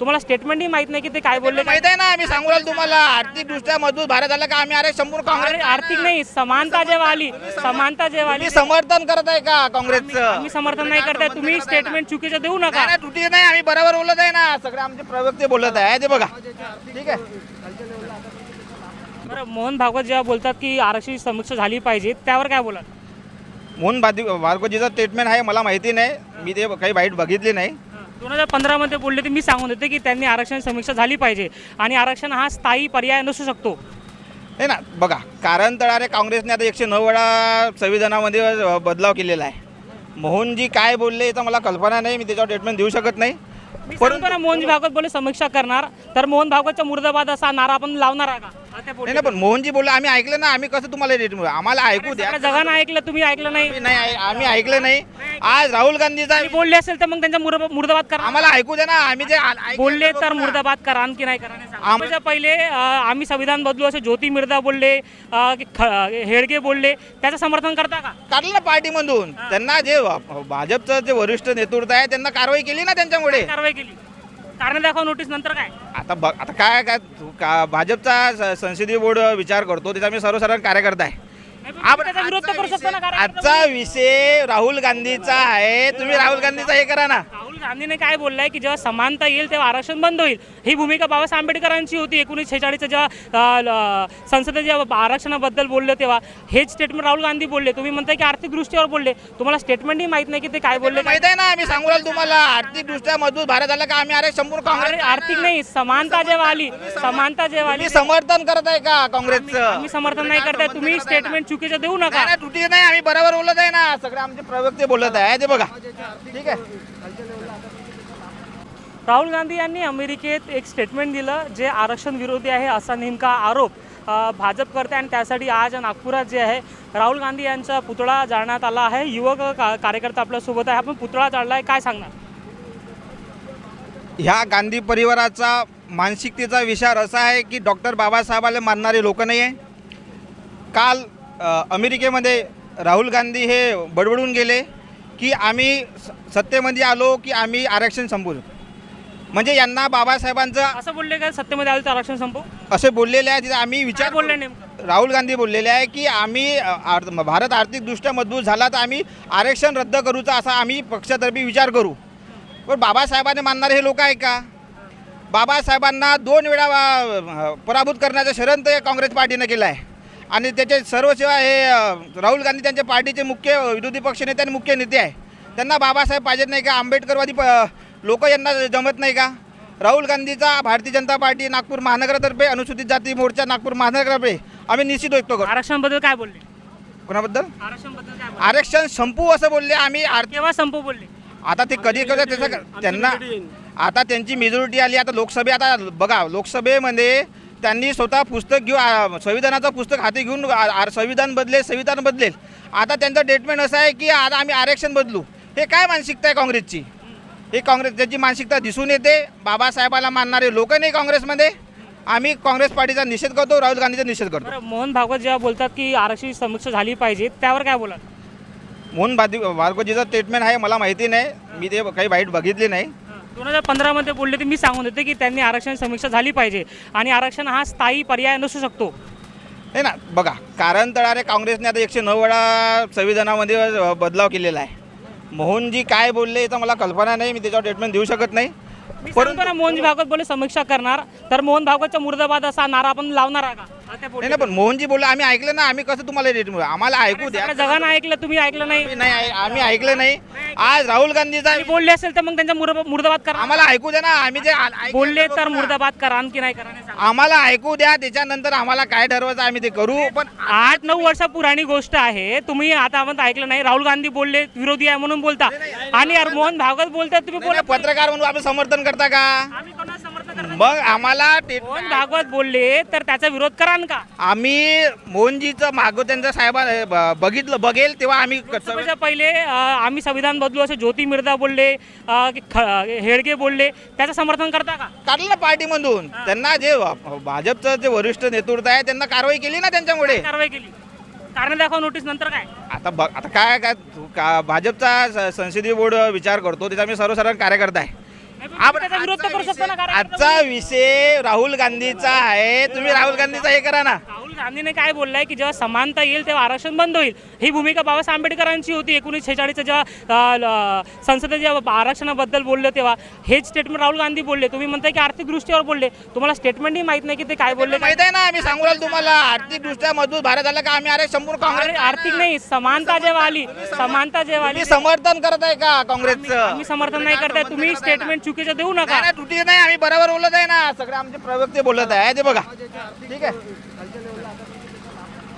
तुम्हाला स्टेटमेंटही माहित नाही की ते काय बोलले. माहित आहे ना, आम्ही सांगू राहिलो तुम्हाला आर्थिक दृष्ट्या मजबूत भारत झाला का आम्ही संपूर्ण काँग्रेस आर्थिक नाही, समानता जेव्हा आली, समानता जेव्हा आली, तुम्ही समर्थन करत आहे का काँग्रेसचं? आम्ही समर्थन नाही करताय. तुम्ही स्टेटमेंट चुकीचं देऊ नका. नाही तुटी नाही, आम्ही बरोबर बोलत आहे ना, सगळे आमचे प्रवक्ते बोलत आहे ते बघा. ठीक आहे. बरं, मोहन भागवत जेव्हा बोलतात की आरक्षणाची समीक्षा झाली पाहिजे, त्यावर काय बोलाल? मोहन भागवतजीचं स्टेटमेंट आहे मला माहिती नाही, मी ते काही वाईट बघितली नाही. 2015 मध्ये बोलले ते मी सांगून देते की त्यांनी आरक्षण समीक्षा झाली पाहिजे आणि आरक्षण हा स्थायी पर्याय नसू शकतो. आहे ना, बघा कारण तळारे काँग्रेसने आता 109 वेळा संविधानामध्ये बदलाव केलेला आहे. मोहनजी काय बोलले याचा मला कल्पना नाही, मी त्याच्यावर स्टेटमेंट देऊ शकत नाही. मी सांगतो ना, मोहनजी भागवत बोलले समीक्षा करणार, तर मोहन भागवतचा मुर्दाबाद असा नारा आपण लावणार आहे का? नाही पण मोहनजी बोलले, आम्ही ऐकलं ना, आम्ही कसं तुम्हाला स्टेटमेंट, आम्हाला ऐकू द्या. जगानं ऐकलं, तुम्ही ऐकलं नाही. आम्ही ऐकलं नाही. आज राहुल गांधीचा बोलले असेल तर मग त्यांचा मुर्दाबाद करा. आम्हाला ऐकू द्या ना, आम्ही जे बोलले तर मुर्दाबाद करा, आणखी नाही करा. पहिले आम्ही संविधान बदलू असे ज्योती मिर्धा बोलले, हेडगे बोलले, त्याचं समर्थन करता का? काढलं ना पार्टीमधून त्यांना. जे भाजपचं जे वरिष्ठ नेतृत्व आहे त्यांना कारवाई केली ना, त्यांच्यामुळे कारवाई केली. कारण दाखवा नोटीस, नंतर काय? आता काय काय भाजपचा संसदीय बोर्ड विचार करतो, त्याचा मी सर्वसाधारण कार्यकर्ता आहे. त्याचा विरोध तर करू शकतो ना. आजचा विषय राहुल गांधीचा आहे, तुम्ही राहुल गांधीचा हे करा ना. राहुल गांधीने काय बोललाय की जेव्हा समानता येईल तेव्हा आरक्षण बंद होईल. ही भूमिका बाबासाहेब आंबेडकरांची होती. 1946 जेव्हा संसदेत जेव्हा आरक्षणाबद्दल बोलले तेव्हा हेच स्टेटमेंट राहुल गांधी बोलले. तुम्ही म्हणताय की आर्थिक दृष्ट्यावर बोलले, तुम्हाला स्टेटमेंटही माहित नाही की ते काय बोलले. माहित आहे ना, आम्ही सांगू राहिलो तुम्हाला आर्थिक दृष्ट्या मजबूत भारत झाला का आम्ही संपूर्ण काँग्रेस. आर्थिक नाही, समानता जेव्हा आली, समानता जेव्हा आली. समर्थन करत आहे का काँग्रेसचं? आम्ही समर्थन नाही करताय. तुम्ही स्टेटमेंट चुकीचं देऊ नका. तुटी नाही, आम्ही बरोबर बोलत आहे ना, सगळे आमचे प्रवक्ते बोलत आहे ते बघा. ठीक आहे. राहुल गांधी यांनी अमेरिकेत एक स्टेटमेंट दिलं जे आरक्षण विरोधी आहे असा नेमका आरोप भाजप करते आणि त्यासाठी आज नागपुरात जे आहे राहुल गांधी यांचा पुतळा जाळण्यात आला आहे. युवक कार्यकर्ता आपल्यासोबत आहे. आपण पुतळा जाळला आहे, काय सांगणार? ह्या गांधी परिवाराचा मानसिकतेचा विचार असा आहे की डॉक्टर बाबासाहेबाला मानणारे लोक नाही आहे. काल अमेरिकेमध्ये राहुल गांधी हे बडबडून गेले की आम्ही सत्तेमध्ये आलो की आम्ही आरक्षण संपवू. म्हणजे यांना बाबासाहेबांचं असं बोलले का सत्तेमध्ये आलं तर आरक्षण संपवू असे बोललेले आहे. तिथे आम्ही विचार बोलले नेमकं राहुल गांधी बोललेले आहे की आम्ही भारत आर्थिकदृष्ट्या मजबूत झाला तर आम्ही आरक्षण रद्द करूचा असा आम्ही पक्षातर्फे विचार करू. पण बाबासाहेबांनी मानणारे हे लोक आहे का? बाबासाहेबांना 2 वेळा पराभूत करण्याचं षडयंत्र काँग्रेस पार्टीनं केलं आहे आणि त्याचे सर्व सेवा हे राहुल गांधी त्यांच्या पार्टीचे मुख्य विरोधी पक्षनेते आणि मुख्य नेते आहे. त्यांना बाबासाहेब पाहिजेत नाही का? आंबेडकरवादी लोक यांना जमत नाही का? राहुल गांधीचा भारतीय जनता पार्टी नागपूर महानगरातर्फे अनुसूचित जाती मोर्चा नागपूर महानगरातर्फे आम्ही निश्चित व्यक्त करू. आरक्षणाबद्दल काय बोलले? कोणाबद्दल? आरक्षणाबद्दल काय बोलले? आरक्षण संपू असं बोलले आम्ही. केव्हा संपू बोलले? आता ते कधी त्याचं त्यांना आता त्यांची मेजॉरिटी आली. आता आता बघा लोकसभेमध्ये त्यांनी स्वतः पुस्तक घेऊन संविधानाचं पुस्तक हाती घेऊन संविधान बदलेल. आता त्यांचं स्टेटमेंट असं आहे की आता आम्ही आरक्षण बदलू. हे काय मानसिकता आहे काँग्रेसची? हे काँग्रेसची मानसिकता दिसून येते. बाबासाहेबाला मानणारे लोक नाही काँग्रेसमध्ये. आम्ही काँग्रेस पार्टीचा निषेध करतो, राहुल गांधीचा निषेध करतो. मोहन भागवत जेव्हा बोलतात की आरक्षणाची समीक्षा झाली पाहिजे, त्यावर काय बोलाल? मोहन भागवतजीचं स्टेटमेंट आहे मला माहिती नाही, मी ते काही वाईट बघितली नाही. 2015 मध्ये बोलले ते मी सांगून देते की त्यांनी आरक्षण समीक्षा झाली पाहिजे आणि आरक्षण हा स्थायी पर्याय नसू शकतो. नाही ना, बघा कारण तळारे काँग्रेसने आता 109 वेळा संविधानामध्ये बदलाव केलेला आहे. मोहनजी काय बोलले याचा मला कल्पना नाही, मी त्याच्यावर स्टेटमेंट देऊ शकत नाही. मी सांगतो ना, मोहनजी भागवत बोलले समीक्षा करणार, तर मोहन भागवतचा मुर्दाबाद असा नारा आपण लावणार आहे का? नाही पण मोहनजी बोलले, आम्ही ऐकलं ना, आम्ही कसं तुम्हाला स्टेटमेंट, आम्हाला ऐकू द्या. जगानं ऐकलं, तुम्ही ऐकलं नाही. आम्ही ऐकलं नाही. आज राहुल गांधीचा बोलले असेल तर मग त्यांचा मुर्दाबाद करा. आम्हाला ऐकू द्या ना, आम्ही जे बोलले तर मुर्दाबाद करा, आणखी नाही करा. आम्हाला ऐकू द्या, त्याच्यानंतर आम्हाला काय ठरवायचं आम्ही ते करू. पण 8-9 वर्षा पुराणी गोष्ट आहे. तुम्ही आता आपण ऐकलं नाही. राहुल गांधी बोलले विरोधी आहे म्हणून बोलता आणि यार मोहन भागवत बोलतात, तुम्ही बोला पत्रकार म्हणून आपण समर्थन करता का? मग आम्हाला मोहन भागवत बोलले तर त्याचा विरोध करान का? आम्ही मोहनजीचं मागो त्यांचा साहेबा बघेल तेव्हा आम्ही पहिले आम्ही संविधान बदलू असे ज्योती मिर्धा बोलले, हेडगे बोलले, त्याचं समर्थन करता का? काढलं ना पार्टीमधून. त्यांना जे भाजपचं जे वरिष्ठ नेतृत्व आहे त्यांना कारवाई केली ना, त्यांच्यामुळे कारवाई केली. कारण दाखवा नोटीस, नंतर काय? आता काय काय भाजपचा संसदीय बोर्ड विचार करतो, त्याचा मी सर्वसाधारण कार्यकर्ता आहे. त्याचा विरोध तर करू शकतो ना, कारण आजचा विषय राहुल गांधीचा आहे. तुम्ही राहुल गांधीचा हे करा ना. राहुल गांधीने काय बोललंय की जेव्हा समानता येईल तेव्हा आरक्षण बंद होईल. ही भूमिका बाबासाहेब आंबेडकरांची होती. 1946 जेव्हा संसदेत जेव्हा आरक्षणाबद्दल बोलले तेव्हा हेच स्टेटमेंट राहुल गांधी बोलले. तुम्ही म्हणताय की आर्थिक दृष्टीवर बोलले. तुम्हाला स्टेटमेंटही माहित नाही की ते काय बोलले. माहित आहे ना, आम्ही सांगू राहिलो तुम्हाला. आर्थिक दृष्ट्या मजबूत भारत झाला का आम्ही अरे संपूर्ण काँग्रेस आर्थिक नाही, समानता जेव्हा आली, समानता जेव्हा आली, तुम्ही समर्थन करत आहे का काँग्रेसचं? आम्ही समर्थन नाही करताय. तुम्ही स्टेटमेंट चुकीचं देऊ नका. नाही, त्रुटी नाही, आम्ही बरोबर बोलत आहे ना. सगळे आमचे प्रवक्ते बोलत आहे ते बघा. ठीक आहे.